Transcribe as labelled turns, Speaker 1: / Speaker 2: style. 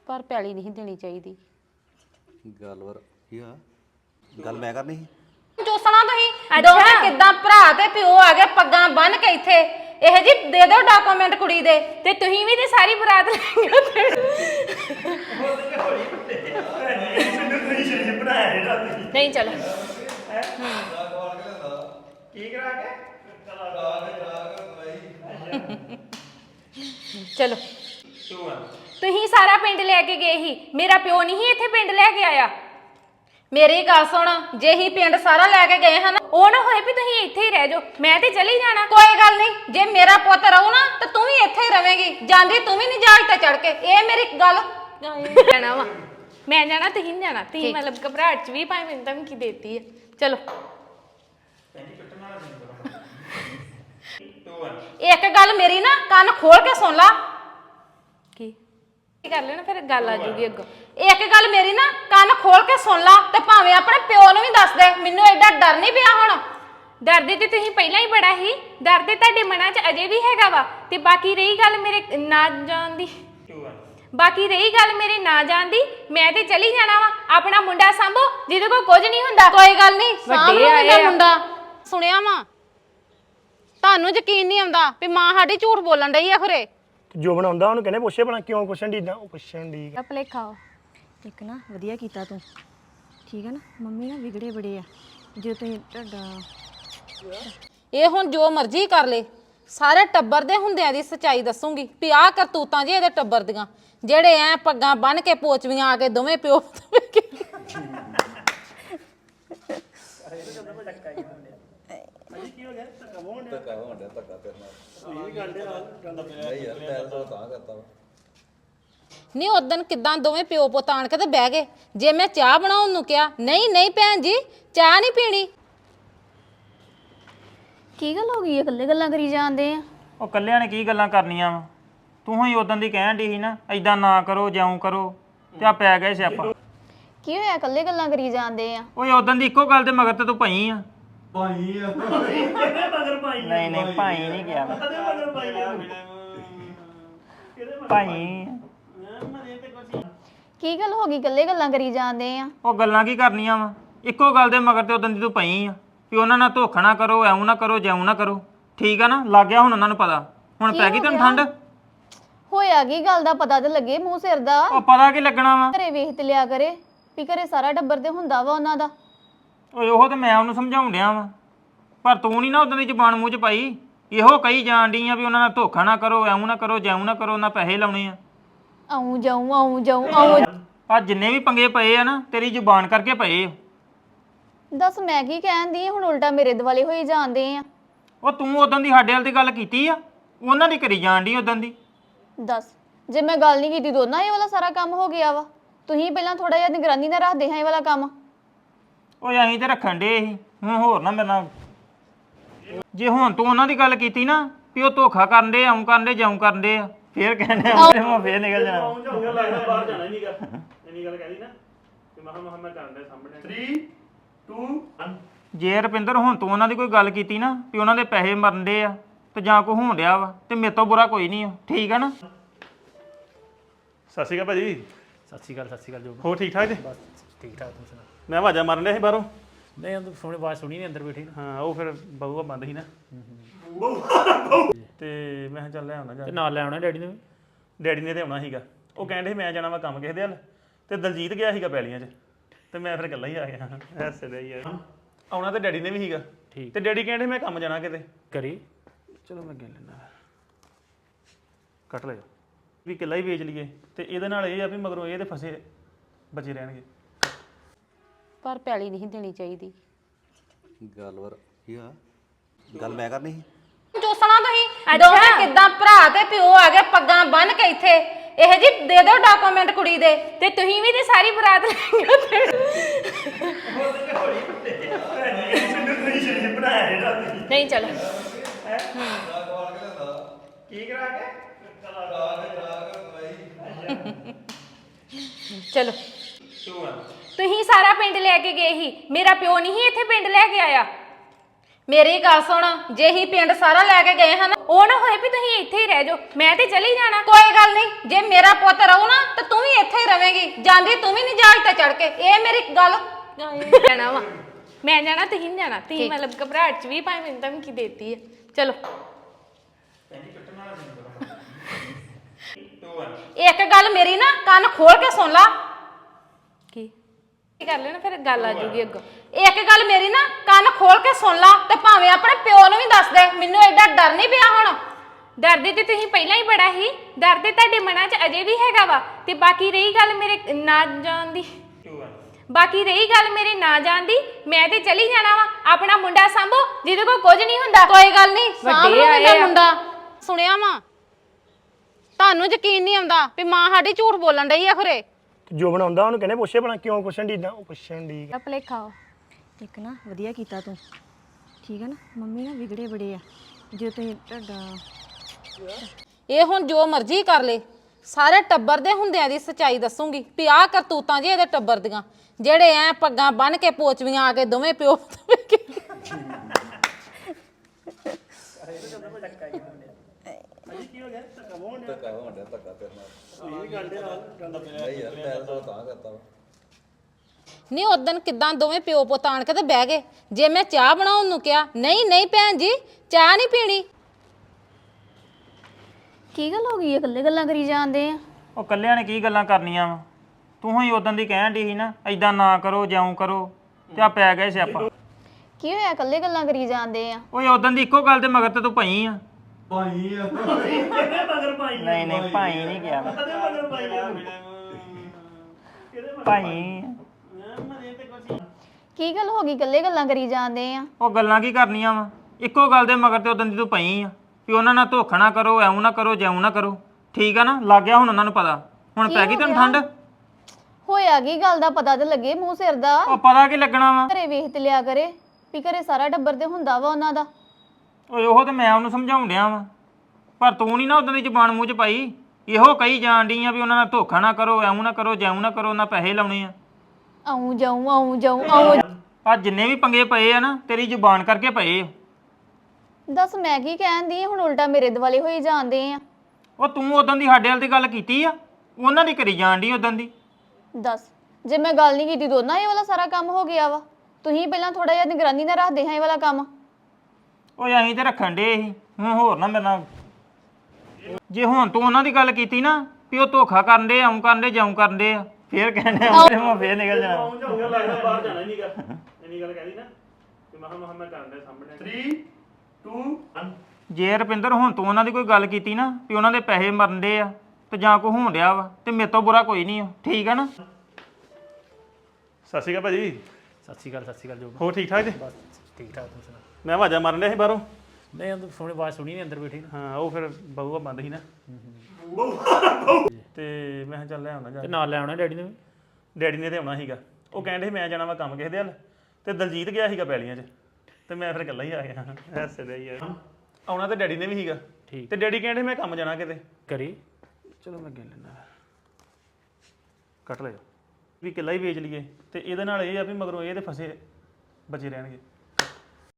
Speaker 1: पर पैली नहीं देनी चाहिए।
Speaker 2: गलवर की आ गल मैं करनी ਸੀ
Speaker 1: ਚੂਸਣਾ ਤੁਸੀਂ ਦੋਵੇਂ ਕਿੱਦਾਂ ਭਰਾ ਤੇ ਪਿਓ ਆ ਗਏ ਪੱਗਾਂ ਬੰਨ ਕੇ ਇੱਥੇ ਇਹ ਜੀ ਦੇ ਦਿਓ ਡਾਕੂਮੈਂਟ ਕੁੜੀ ਦੇ
Speaker 3: ਤੇ ਤੁਸੀਂ ਵੀ ਤੇ ਸਾਰੀ ਬਰਾਤ ਲੈ ਗਏ ਨਹੀਂ ਚਲੋ
Speaker 4: ਕੀ ਕਰਾ ਕੇ
Speaker 3: ਚਲੋ ਤੁਸੀਂ ਸਾਰਾ ਪਿੰਡ ਲੈ ਕੇ ਗਏ ਸੀ ਮੇਰਾ ਪਿਓ ਨਹੀਂ ਇੱਥੇ ਪਿੰਡ ਲੈ ਕੇ ਆਇਆ
Speaker 1: ਮੇਰੀ ਗੱਲ ਸੁਣ ਜੇ ਹੀ ਪਿੰਡ ਸਾਰਾ ਲੈ ਕੇ ਗਏ ਹਨ
Speaker 3: ਉਹ ਨਾ ਹੋਏ ਵੀ ਤੁਸੀਂ ਇੱਥੇ ਹੀ ਰਹਿ ਜਾਓ ਮੈਂ ਤੇ ਚਲੀ ਜਾਣਾ
Speaker 1: ਕੋਈ ਗੱਲ ਨਹੀਂ ਜੇ ਮੇਰਾ ਪੁੱਤ ਰਹੂ ਨਾ ਤੇ ਤੂੰ ਵੀ ਇੱਥੇ ਹੀ ਰਵੇਂਗੀ ਜਾਂਦੀ ਤੂੰ ਵੀ ਨਹੀਂ ਜਹਾਜ਼ ਤੇ ਚੜ ਕੇ ਇਹ ਮੇਰੀ ਗੱਲ
Speaker 3: ਜਾਣਾ ਵਾ ਮੈਂ ਜਾਣਾ ਤੁਸੀਂ ਨਹੀਂ ਜਾਣਾ ਤੁਸੀਂ ਮਤਲਬ ਘਬਰਾਹਟ ਚ ਵੀ ਭਾਵੇਂ ਮੈਨੂੰ ਧਮਕੀ ਦੇਤੀ ਹੈ ਚਲੋ
Speaker 1: ਇੱਕ ਗੱਲ ਮੇਰੀ ਨਾ ਕੰਨ ਖੋਲ ਕੇ ਸੁਣ ਲਾ
Speaker 3: ਕੀ ਕਰ ਲੈਣਾ ਫਿਰ ਗੱਲ ਆ ਜੂਗੀ ਅੱਗੋਂ
Speaker 1: ਇੱਕ ਗੱਲ ਮੇਰੀ ਨਾ ਕੰਨ ਖੋਲ ਕੇ ਸੁਣ ਲਾ ਤੇ ਭਾਵੇਂ ਆਪਣੇ ਪਿਓ ਨੂੰ ਵੀ ਦੱਸ ਦੇ ਮੈਨੂੰ ਐਡਾ ਡਰ ਨਹੀਂ ਪਿਆ ਹੁਣ
Speaker 3: ਡਰਦੇ ਤੇ ਤੁਸੀਂ ਪਹਿਲਾਂ ਹੀ ਬੜਾ ਸੀ ਡਰਦੇ ਤੁਹਾਡੇ ਮਨਾਂ 'ਚ ਅਜੇ ਵੀ ਹੈਗਾ ਵਾ ਤੇ ਬਾਕੀ ਰਹੀ ਗੱਲ ਮੇਰੇ ਨਾ ਜਾਣ ਦੀ ਨਾ ਜਾਣ ਦੀ ਮੈਂ ਤੇ ਚਲੀ ਜਾਣਾ ਵਾ ਆਪਣਾ ਮੁੰਡਾ ਸੰਭੋ ਜਿਹਦੇ ਕੋਲ ਕੁਝ ਨਹੀਂ ਹੁੰਦਾ
Speaker 1: ਕੋਈ ਗੱਲ ਨਹੀਂ
Speaker 3: ਵੱਡੇ ਆਏ ਆ।
Speaker 1: ਮੁੰਡਾ ਸੁਣਿਆ ਵਾ ਤੁਹਾਨੂੰ ਯਕੀਨ ਨਹੀਂ ਆਉਂਦਾ ਵੀ ਮਾਂ ਸਾਡੀ ਝੂਠ ਬੋਲਣ ਡਈ ਆ ਖਰੇ
Speaker 5: ਜੋ ਬਣਾਉਂਦਾ ਉਹਨੂੰ ਕਹਿੰਦੇ ਪੁੱਛੇ ਭਲਾ ਕਿਉਂ ਪੁੱਛਣ ਦੀ ਉਹ ਪੁੱਛਣ ਦੀ
Speaker 3: ਭਲੇਖਾ
Speaker 6: ਇੱਕ ਨਾ ਵਧੀਆ ਕੀਤਾ ਤੂੰ ਠੀਕ ਹੈ ਨਾ ਮੰਮੀ ਨਾ ਵਿਗੜੇ ਬੜੇ ਆ ਜੇ ਤੁਸੀਂ ਤੁਹਾਡਾ
Speaker 1: ਇਹ ਹੁਣ ਜੋ ਮਰਜ਼ੀ ਕਰ ਲੇ ਸਾਰੇ ਟੱਬਰ ਦੇ ਹੁੰਦਿਆਂ ਦੀ ਸੱਚਾਈ ਦੱਸੂਗੀ ਵੀ ਆਹ ਕਰਤੂਤਾਂ ਜੀ ਇਹਦੇ ਟੱਬਰ ਦੀਆਂ ਜਿਹੜੇ ਐ ਪੱਗਾਂ ਬੰਨ ਕੇ ਪੋਚਵੀਆਂ ਆ ਕੇ ਦੋਵੇਂ ਪਿਓ ਨਹੀਂ ਉਦਣ ਕਿਦਾਂ ਦੋਵੇਂ ਪਿਓ ਪੁੱਤ ਆਣ ਕੇ ਤੇ ਬਹਿ ਗਏ ਜੇ ਮੈਂ ਚਾਹ ਬਣਾਉਣ ਨੂੰ ਕਿਹਾ ਨਹੀਂ ਭੈਣ ਜੀ ਚਾਹ ਨਹੀਂ ਪੀਣੀ
Speaker 6: ਕੀ ਗੱਲ ਹੋ ਗਈ ਹੈ ਇਕੱਲੇ ਗੱਲਾਂ ਕਰੀ ਜਾਂਦੇ ਆ
Speaker 4: ਉਹ ਕੱਲਿਆਂ ਨੇ ਕੀ ਗੱਲਾਂ ਕਰਨੀਆਂ ਵਾ ਤੂੰ ਹੀ ਉਦੋਂ ਦੀ ਕਹਿਣ ਦੀ ਸੀ ਨਾ ਐਦਾਂ ਨਾ ਕਰੋ ਜਿਉਂ ਕਰੋ ਤੇ ਆ ਪੈ ਗਏ ਸਿਆਪਾ
Speaker 6: ਕੀ ਹੋਇਆ ਇਕੱਲੇ ਗੱਲਾਂ ਕਰੀ ਜਾਂਦੇ ਆ
Speaker 4: ਓਏ ਉਦੋਂ ਦੀ ਇੱਕੋ ਗੱਲ ਦੇ ਮਗਰ ਤੇ ਤੂੰ ਪਈ ਆ ਨਹੀਂ ਭਾਈ ਨਹੀਂ ਗਿਆ ਭਾਈ
Speaker 6: ਕੀ ਗੱਲ ਹੋ ਗਈ ਇਕੱਲੇ ਗੱਲਾਂ ਕਰੀ ਜਾਂਦੇ ਆ
Speaker 4: ਉਹ ਗੱਲਾਂ ਕੀ ਕਰਨੀਆਂ ਵਾ ਇੱਕੋ ਗੱਲ ਦੇ ਮਗਰ ਤੇ ਉਦੋਂ ਦੀ ਤੂੰ ਪਈ ਆ ਵੀ ਉਹਨਾਂ ਨਾਲ ਧੋਖਾ ਨਾ ਕਰੋ ਐਉਂ ਨਾ ਕਰੋ ਜਿਉਂ ਨਾ ਕਰੋ ਠੀਕ ਆ ਨਾ ਲੱਗ ਗਿਆ ਹੁਣ ਉਹਨਾਂ ਨੂੰ ਪਤਾ ਹੁਣ ਪੈ ਗਈ ਤੈਨੂੰ ਠੰਡ
Speaker 6: ਹੋਇਆ ਕੀ ਗੱਲ ਦਾ ਪਤਾ ਤੇ ਲੱਗੇ ਮੂੰਹ ਸਿਰ ਦਾ
Speaker 4: ਉਹ ਪਤਾ ਕੀ ਲੱਗਣਾ ਵਾ
Speaker 6: ਘਰੇ ਵੇਖ ਤੇ ਲਿਆ ਕਰੇ ਵੀ ਘਰੇ ਸਾਰਾ ਟੱਬਰ ਤੇ ਹੁੰਦਾ ਵਾ ਉਹਨਾਂ ਦਾ
Speaker 4: ਓਏ ਉਹ ਤੇ ਮੈਂ ਉਹਨੂੰ ਸਮਝਾਉਣ ਡਿਆ ਵਾ ਪਰ ਤੂੰ ਨਹੀਂ ਨਾ ਉਦੋਂ ਦੀ ਜ਼ਬਾਨ ਮੂੰਹ 'ਚ ਪਾਈ ਇਹੋ ਕਹੀ ਜਾਣ ਡਈ ਆ ਵੀ ਉਹਨਾਂ ਨਾਲ ਧੋਖਾ ਨਾ ਕਰੋ ਐਉਂ ਨਾ ਕਰੋ ਜਿਉਂ ਨਾ ਕਰੋ ਉਹਨਾਂ ਪੈਸੇ ਲਾਉਣੇ ਆ
Speaker 6: ਆਉਂ ਜਾਉਂ
Speaker 4: ਆ ਜਿੰਨੇ ਵੀ ਪੰਗੇ ਪਏ ਆ ਨਾ ਤੇਰੀ ਜ਼ੁਬਾਨ ਕਰਕੇ ਪਏ ਆ
Speaker 6: ਦੱਸ ਮੈਂ ਕੀ ਕਹਿੰਦੀ ਹੁਣ ਉਲਟਾ ਮੇਰੇ ਦੁਆਲੇ ਹੋਈ ਜਾਂਦੇ ਆ
Speaker 4: ਉਹ ਤੂੰ ਉਦੋਂ ਦੀ ਸਾਡੇ ਵਾਲ ਦੀ ਗੱਲ ਕੀਤੀ ਆ ਉਹਨਾਂ ਦੀ ਕਰੀ ਜਾਣ ਡਈ ਉਦੋਂ ਦੀ
Speaker 6: ਦੱਸ ਜੇ ਮੈਂ ਗੱਲ ਨਹੀਂ ਕੀਤੀ ਦੋਨਾਂ ਇਹ ਵਾਲਾ ਸਾਰਾ ਕੰਮ ਹੋ ਗਿਆ ਵਾ ਤੁਸੀਂ ਪਹਿਲਾਂ ਥੋੜਾ ਜਿਹਾ ਨਿਗਰਾਨੀ ਨਾਲ ਰੱਖਦੇ ਹਾਂ ਇਹ ਵਾਲਾ ਕੰਮ
Speaker 4: ਓਏ ਅਸੀਂ ਤੇ ਰੱਖਣ ਡੇ ਸੀ ਹੁਣ ਹੋਰ ਨਾ ਮੇਰੇ ਨਾਲ ਜੇ ਹੁਣ ਤੂੰ ਉਹਨਾਂ ਦੀ ਗੱਲ ਕੀਤੀ ਨਾ ਵੀ ਉਹ ਧੋਖਾ ਕਰਨ ਦੇ ਆਉਂ ਕਰਨ ਦੇ ਜਾਉਂ ਕਰਨ ਦੇ ਆ ਫੇਰ ਕਹਿੰਦੇ ਆਉਂਦੇ ਮੈਂ ਫੇਰ ਨਿਕਲ ਜਾਣਾ
Speaker 5: ਬਾਹਰ ਜਾਣਾ ਹੀ ਨਹੀਂਗਾ ਇੰਨੀ ਗੱਲ ਕਹਿਦੀ ਨਾ ਕਿ ਮੈਂ ਕਰਨ ਦੇ ਸਾਹਮਣੇ 3 2 1
Speaker 4: ਜੇ ਰੁਪਿੰਦਰ ਹੁਣ ਤੂੰ ਉਹਨਾਂ ਦੀ ਕੋਈ ਗੱਲ ਕੀਤੀ ਨਾ ਵੀ ਉਹਨਾਂ ਦੇ ਪੈਸੇ ਮਰਨ ਦੇ ਆ ਤੇ ਜਾਂ ਕੋ ਹੋਣ ਡਿਆ ਵਾ ਤੇ ਮੇਰੇ ਤੋਂ ਬੁਰਾ ਕੋਈ ਨਹੀਂ ਆ ਠੀਕ ਆ ਨਾ
Speaker 5: ਸਤਿ ਸ਼੍ਰੀ ਅਕਾਲ ਭਾਜੀ
Speaker 7: ਸਤਿ ਸ਼੍ਰੀ ਅਕਾਲ ਜੋ
Speaker 5: ਹੋ ਠੀਕ ਠਾਕ ਜੀ
Speaker 7: ਬਸ ਠੀਕ ਠਾਕ ਤੁਸੀਂ ਸੁਣਾ
Speaker 5: ਮੈਂ ਆਵਾਜ਼ਾਂ ਮਾਰਨ ਡਿਆ ਸੀ ਬਾਹਰੋਂ
Speaker 7: ਨਹੀਂ ਉਹ ਸੋਹਣੀ ਆਵਾਜ਼ ਸੁਣੀ ਨਹੀਂ ਅੰਦਰ ਬੈਠੀ ਨਾ
Speaker 5: ਹਾਂ ਉਹ ਫਿਰ ਬਹੂਆ ਬੰਦ ਸੀ ਨਾ ਤੇ ਮੈਂ ਕਿਹਾ ਚੱਲ ਲੈ ਆਉਣਾ ਜਾ
Speaker 7: ਤੇ ਨਾਲ ਲੈ ਆਉਣਾ ਡੈਡੀ ਨੂੰ ਵੀ
Speaker 5: ਡੈਡੀ ਨੇ ਤੇ ਆਉਣਾ ਸੀਗਾ ਉਹ ਕਹਿੰਦੇ ਮੈਂ ਜਾਣਾ ਵਾ ਕੰਮ ਕਿਸੇ ਦੇ ਹੱਲ ਤੇ ਦਲਜੀਤ ਗਿਆ ਸੀਗਾ ਪੈਲੀਆਂ 'ਚ ਤੇ ਮੈਂ ਫਿਰ ਇਕੱਲਾ ਹੀ ਆ ਗਿਆ ਐਸੇ ਦਾ ਹੀ ਆ ਆਉਣਾ ਤੇ ਡੈਡੀ ਨੇ ਵੀ ਸੀਗਾ
Speaker 7: ਠੀਕ
Speaker 5: ਤੇ ਡੈਡੀ ਕਹਿੰਦੇ ਮੈਂ ਕੰਮ ਜਾਣਾ ਕਿਤੇ
Speaker 7: ਕਰੀ
Speaker 5: ਚਲੋ ਮੈਂ ਗਿਣ ਲੈਣਾ ਕੱਟ ਲਿਓ ਵੀ ਕਿੱਲਾ ਹੀ ਵੇਚ ਲਈਏ ਤੇ ਇਹਦੇ ਨਾਲ ਇਹ ਆ ਵੀ ਮਗਰੋਂ ਇਹ ਤੇ ਫਸੇ ਬਚੇ ਰਹਿਣਗੇ
Speaker 1: ਪਰ ਪੈਲੀ ਨਹੀਂ ਦੇਣੀ ਚਾਹੀਦੀ
Speaker 2: गलवर की आ गल मैं करनी ਸੀ
Speaker 1: ਚੂਸਣਾ ਤੁਸੀਂ ਦੋਵੇਂ ਕਿੱਦਾਂ ਭਰਾ ਤੇ ਪਿਓ ਆ ਗਏ ਪੱਗਾਂ ਬੰਨ ਕੇ ਇੱਥੇ ਇਹ ਜੀ ਦੇ ਦਿਓ ਡਾਕੂਮੈਂਟ ਕੁੜੀ ਦੇ
Speaker 3: ਤੇ ਤੁਸੀਂ ਵੀ ਤੇ ਸਾਰੀ ਬਰਾਤ ਲੈ ਗਏ ਨਹੀਂ ਚਲੋ
Speaker 4: ਕੀ ਕਰਾ ਕੇ
Speaker 3: ਚਲੋ ਤੁਸੀਂ ਸਾਰਾ ਪਿੰਡ ਲੈ ਕੇ ਗਏ ਸੀ ਮੇਰਾ ਪਿਓ ਨਹੀਂ ਇੱਥੇ ਪਿੰਡ ਲੈ ਕੇ ਆਇਆ
Speaker 1: ਮੇਰੀ ਗੱਲ ਸੁਣ ਜੇ ਹੀ ਪਿੰਡ ਸਾਰਾ ਲੈ ਕੇ ਗਏ ਹਨ
Speaker 3: ਉਹ ਨਾ ਹੋਏ ਵੀ ਤੁਸੀਂ ਇੱਥੇ ਹੀ ਰਹਿ ਜਾਓ ਮੈਂ ਤੇ ਚਲੀ ਜਾਣਾ
Speaker 1: ਕੋਈ ਗੱਲ ਨਹੀਂ ਜੇ ਮੇਰਾ ਪੁੱਤ ਰਹੂ ਨਾ ਤੇ ਤੂੰ ਵੀ ਇੱਥੇ ਹੀ ਜਾਂਦੀ ਤੂੰ ਵੀ ਨਹੀਂ ਜਹਾਜ਼ ਤੇ ਚੜ ਕੇ ਇਹ ਮੇਰੀ ਗੱਲ
Speaker 3: ਜਾਣਾ ਵਾ ਮੈਂ ਜਾਣਾ ਤੁਸੀਂ ਨਹੀਂ ਜਾਣਾ ਤੁਸੀਂ ਮਤਲਬ ਘਬਰਾਹਟ ਚ ਵੀ ਭਾਵੇਂ ਮੈਨੂੰ ਧਮਕੀ ਦੇਤੀ ਹੈ ਚਲੋ
Speaker 1: ਇੱਕ ਗੱਲ ਮੇਰੀ ਨਾ ਕੰਨ ਖੋਲ ਕੇ ਸੁਣ ਲਾ
Speaker 3: ਕੀ ਕਰ ਲੈਣਾ ਫਿਰ ਗੱਲ ਆ ਜੂਗੀ ਅੱਗੋਂ
Speaker 1: ਇੱਕ ਗੱਲ ਮੇਰੀ ਨਾ ਕੰਨ ਖੋਲ ਕੇ ਸੁਣ ਲਾ ਤੇ ਭਾਵੇਂ ਆਪਣੇ ਪਿਓ ਨੂੰ ਵੀ ਦੱਸ ਦੇ ਮੈਨੂੰ ਐਡਾ ਡਰ ਨਹੀਂ ਪਿਆ ਹੁਣ
Speaker 3: ਡਰਦੇ ਤੇ ਤੁਸੀਂ ਪਹਿਲਾਂ ਹੀ ਬੜਾ ਹੀ ਡਰਦੇ ਤੁਹਾਡੇ ਮਨਾਂ 'ਚ ਅਜੇ ਵੀ ਹੈਗਾ ਵਾ ਤੇ ਬਾਕੀ ਰਹੀ ਗੱਲ ਮੇਰੇ ਨਾ ਜਾਣ ਦੀ ਮੈਂ ਤੇ ਚਲੀ ਜਾਣਾ ਵਾ ਆਪਣਾ ਮੁੰਡਾ ਸੰਭੋ ਜਿਹਦੇ ਕੋਲ ਕੁਝ ਨਹੀਂ ਹੁੰਦਾ
Speaker 1: ਕੋਈ ਗੱਲ ਨਹੀਂ ਸਾਂਭ
Speaker 3: ਵੱਡੇ
Speaker 1: ਲੂੰਗੀ
Speaker 3: ਆਏ
Speaker 1: ਮੈਂ
Speaker 3: ਆ।
Speaker 1: ਮੁੰਡਾ ਸੁਣਿਆ ਵਾ ਤੁਹਾਨੂੰ ਯਕੀਨ ਨਹੀਂ ਆਉਂਦਾ ਵੀ ਮਾਂ ਸਾਡੀ ਝੂਠ ਬੋਲਣ ਡਈ ਆ ਖਰੇ
Speaker 8: ਜੋ ਬਣਾਉਂਦਾ ਉਹਨੂੰ ਕਹਿੰਦੇ ਪੁੱਛੇ ਭਲਾ ਕਿਉਂ ਪੁੱਛਣ ਦੀ ਇਦਾਂ ਉਹ ਪੁੱਛਣ ਦੀ
Speaker 6: ਭਲੇਖਾ ਵਾ।
Speaker 9: ਇੱਕ ਨਾ ਵਧੀਆ ਕੀਤਾ ਤੂੰ ਠੀਕ ਹੈ ਨਾ ਮੰਮੀ ਨਾ ਵਿਗੜੇ ਬੜੇ ਆ ਜੇ ਤੁਸੀਂ ਤੁਹਾਡਾ
Speaker 1: ਇਹ ਹੁਣ ਜੋ ਮਰਜ਼ੀ ਕਰ ਲੇ ਸਾਰੇ ਟੱਬਰ ਦੇ ਹੁੰਦਿਆਂ ਦੀ ਸੱਚਾਈ ਦੱਸੂਗੀ ਵੀ ਆਹ ਕਰਤੂਤਾਂ ਜੀ ਇਹਦੇ ਟੱਬਰ ਦੀਆਂ ਜਿਹੜੇ ਐ ਪੱਗਾਂ ਬੰਨ ਕੇ ਪੋਚਵੀਆਂ ਆ ਕੇ ਦੋਵੇਂ ਪਿਓ ਨਹੀਂ ਉਦਣ ਕਿਦਾਂ ਦੋਵੇਂ ਪਿਓ ਪੁੱਤ ਆਣ ਕੇ ਤੇ ਬਹਿ ਗਏ ਜੇ ਮੈਂ ਚਾਹ ਬਣਾਉਣ ਨੂੰ ਕਿਹਾ ਨਹੀਂ ਨਹੀਂ ਭੈਣ ਜੀ ਚਾਹ ਨਹੀਂ ਪੀਣੀ
Speaker 6: ਕੀ ਗੱਲ ਹੋ ਗਈ ਇਕੱਲੇ ਗੱਲਾਂ ਕਰੀ ਜਾਂਦੇ ਆ
Speaker 4: ਉਹ ਕੱਲਿਆਂ ਨੇ ਕੀ ਗੱਲਾਂ ਕਰਨੀਆਂ ਵਾ ਤੂੰ ਹੀ ਉਦੋਂ ਦੀ ਕਹਿਣ ਦੀ ਸੀ ਨਾ ਐਦਾਂ ਨਾ ਕਰੋ ਜਿਉਂ ਕਰੋ ਤੇ ਆ ਪੈ ਗਏ ਸਿਆਪਾ
Speaker 6: ਕੀ ਹੋਇਆ ਇਕੱਲੇ ਗੱਲਾਂ ਕਰੀ ਜਾਂਦੇ ਆ
Speaker 4: ਓਏ ਉਦੋਂ ਦੀ ਇੱਕੋ ਗੱਲ ਤੇ ਮਗਰ ਤੇ ਤੂੰ ਪਈ ਆ ਨਹੀਂ ਨਹੀਂ ਭਾਈ ਨਹੀਂ ਗਿਆ ਭਾਈ
Speaker 6: ਕੀ ਗੱਲ ਹੋ ਗਈ ਇਕੱਲੇ ਗੱਲਾਂ ਕਰੀ ਜਾਂਦੇ ਆ
Speaker 4: ਉਹ ਗੱਲਾਂ ਕੀ ਕਰਨੀਆਂ ਵਾ ਇੱਕੋ ਗੱਲ ਦੇ ਮਗਰ ਤੇ ਉਦੋਂ ਦੀ ਤੂੰ ਪਈ ਆ ਵੀ ਉਹਨਾਂ ਨਾਲ ਧੋਖਾ ਨਾ ਕਰੋ ਐਉਂ ਨਾ ਕਰੋ ਜਿਉਂ ਨਾ ਕਰੋ ਠੀਕ ਆ ਨਾ ਲੱਗ ਗਿਆ ਹੁਣ ਉਹਨਾਂ ਨੂੰ ਪਤਾ ਹੁਣ ਪੈ ਗਈ ਤੈਨੂੰ ਠੰਡ
Speaker 6: ਹੋਇਆ ਕੀ ਗੱਲ ਦਾ ਪਤਾ ਤੇ ਲੱਗੇ ਮੂੰਹ ਸਿਰ ਦਾ
Speaker 4: ਉਹ ਪਤਾ ਕੀ ਲੱਗਣਾ ਵਾ
Speaker 6: ਘਰੇ ਵੇਖ ਤੇ ਲਿਆ ਕਰੇ ਵੀ ਘਰੇ ਸਾਰਾ ਟੱਬਰ ਤੇ ਹੁੰਦਾ ਵਾ ਉਹਨਾਂ ਦਾ
Speaker 4: ਓਏ ਉਹ ਤੇ ਮੈਂ ਉਹਨੂੰ ਸਮਝਾਉਣ ਡਿਆ ਵਾ ਪਰ ਤੂੰ ਨਹੀਂ ਨਾ ਉਦੋਂ ਦੀ ਜ਼ਬਾਨ ਮੂੰਹ 'ਚ ਪਾਈ ਇਹੋ ਕਹੀ ਜਾਣ ਡਈ ਆ ਵੀ ਉਹਨਾਂ ਨਾਲ ਧੋਖਾ ਨਾ ਕਰੋ ਐਉਂ ਨਾ ਕਰੋ ਜਿਉਂ ਨਾ ਕਰੋ ਉਹਨਾਂ ਪੈਸੇ ਲਾਉਣੇ ਆ
Speaker 6: ਆਉਂ ਜਾਉਂ
Speaker 4: ਆ ਜਿੰਨੇ ਵੀ ਪੰਗੇ ਪਏ ਆ ਨਾ ਤੇਰੀ ਜ਼ੁਬਾਨ ਕਰਕੇ ਪਏ ਆ
Speaker 6: ਦੱਸ ਮੈਂ ਕੀ ਕਹਿੰਦੀ ਹੁਣ ਉਲਟਾ ਮੇਰੇ ਦਿਵਾਲੇ ਹੋਈ ਜਾਂਦੇ ਆ
Speaker 4: ਉਹ ਤੂੰ ਉਦੋਂ ਦੀ ਸਾਡੇ ਵਾਲ ਦੀ ਗੱਲ ਕੀਤੀ ਆ ਉਹਨਾਂ ਦੀ ਕਰੀ ਜਾਣ ਡਈ ਉਦੋਂ ਦੀ
Speaker 6: ਦੱਸ ਜੇ ਮੈਂ ਗੱਲ ਨਹੀਂ ਕੀਤੀ ਦੋਨਾਂ ਇਹ ਵਾਲਾ ਸਾਰਾ ਕੰਮ ਹੋ ਗਿਆ ਵਾ ਤੁਸੀਂ ਪਹਿਲਾਂ ਥੋੜਾ ਜਿਹਾ ਨਿਗਰਾਨੀ ਨਾਲ ਰੱਖਦੇ ਹਾਂ ਇਹ ਵਾਲਾ ਕੰਮ
Speaker 4: ਓਏ ਅਸੀਂ ਤੇ ਰੱਖਣ ਡੇ ਸੀ ਹੁਣ ਹੋਰ ਨਾ ਮੇਰੇ ਨਾਲ ਜੇ ਹੁਣ ਤੂੰ ਉਹਨਾਂ ਦੀ ਗੱਲ ਕੀਤੀ ਨਾ ਵੀ ਉਹ ਧੋਖਾ ਕਰਨ ਦੇ ਆਉਂ ਕਰਨ ਦੇ ਜਾਉਂ ਕਰਨ ਦੇ ਆ ਫੇਰ ਕਹਿੰਦੇ ਆਉਂਦੇ ਮੈਂ ਫੇਰ ਨਿਕਲ ਜਾਣਾ
Speaker 5: ਬਾਹਰ ਜਾਣਾ ਹੀ ਨਹੀਂਗਾ ਇੰਨੀ ਗੱਲ ਕਹਿ ਦੀ ਨਾ ਕਿ ਮੈਂ ਕਰਨ ਦੇ ਸਾਹਮਣੇ 3 2 1
Speaker 4: ਜੇ ਰੁਪਿੰਦਰ ਹੁਣ ਤੂੰ ਉਹਨਾਂ ਦੀ ਕੋਈ ਗੱਲ ਕੀਤੀ ਨਾ ਵੀ ਉਹਨਾਂ ਦੇ ਪੈਸੇ ਮਰਨ ਦੇ ਆ ਤੇ ਜਾਂ ਕੋ ਹੋਣ ਡਿਆ ਵਾ ਤੇ ਮੇਰੇ ਤੋਂ ਬੁਰਾ ਕੋਈ ਨਹੀਂ ਠੀਕ ਆ ਨਾ
Speaker 5: ਸਤਿ ਸ਼੍ਰੀ ਅਕਾਲ ਭਾਜੀ
Speaker 7: ਸਤਿ ਸ਼੍ਰੀ ਅਕਾਲ ਜੋ
Speaker 5: ਹੋਰ ਠੀਕ ਠਾਕ ਜੀ
Speaker 7: ਬਸ ਠੀਕ ਠਾਕ ਤੂੰ ਸੁਣਾ
Speaker 5: ਮੈਂ ਆਵਾਜ਼ਾਂ ਮਾਰਨ ਡਿਆ ਸੀ ਬਾਹਰੋਂ
Speaker 7: ਨਹੀਂ ਅੰਦਰ ਸੋਹਣੀ ਆਵਾਜ਼ ਸੁਣੀ ਨਹੀਂ ਅੰਦਰ ਬੈਠੀ ਨਾ
Speaker 5: ਹਾਂ ਉਹ ਫਿਰ ਬਹੂਆ ਬੰਦ ਸੀ ਨਾ ਤੇ ਮੈਂ ਕਿਹਾ ਚੱਲ ਲੈ ਆਉਣਾ ਜਾ
Speaker 7: ਤੇ ਨਾਲ ਲੈ ਆਉਣਾ ਡੈਡੀ ਨੇ ਵੀ
Speaker 5: ਡੈਡੀ ਨੇ ਤੇ ਆਉਣਾ ਸੀਗਾ ਉਹ ਕਹਿੰਦੇ ਸੀ ਮੈਂ ਜਾਣਾ ਵਾ ਕੰਮ ਕਿਸੇ ਦੇ ਹੱਲ ਤੇ ਦਲਜੀਤ ਗਿਆ ਸੀਗਾ ਪੈਲੀਆਂ 'ਚ ਤੇ ਮੈਂ ਫਿਰ ਇਕੱਲਾ ਹੀ ਆ ਗਿਆ ਐਸੇ ਦਾ ਹੀ ਆ ਆਉਣਾ ਤੇ ਡੈਡੀ ਨੇ ਵੀ ਸੀਗਾ
Speaker 7: ਠੀਕ
Speaker 5: ਤੇ ਡੈਡੀ ਕਹਿੰਦੇ ਮੈਂ ਕੰਮ ਜਾਣਾ ਕਿਤੇ
Speaker 7: ਕਰੀ
Speaker 5: ਚਲੋ ਮੈਂ ਗਿਣ ਲੈਣਾ ਕੱਟ ਲਿਓ ਵੀ ਕਿੱਲਾ ਹੀ ਵੇਚ ਲਈਏ ਤੇ ਇਹਦੇ ਨਾਲ ਇਹ ਆ ਵੀ ਮਗਰੋਂ ਇਹ ਤੇ ਫਸੇ ਬਚੇ ਰਹਿਣਗੇ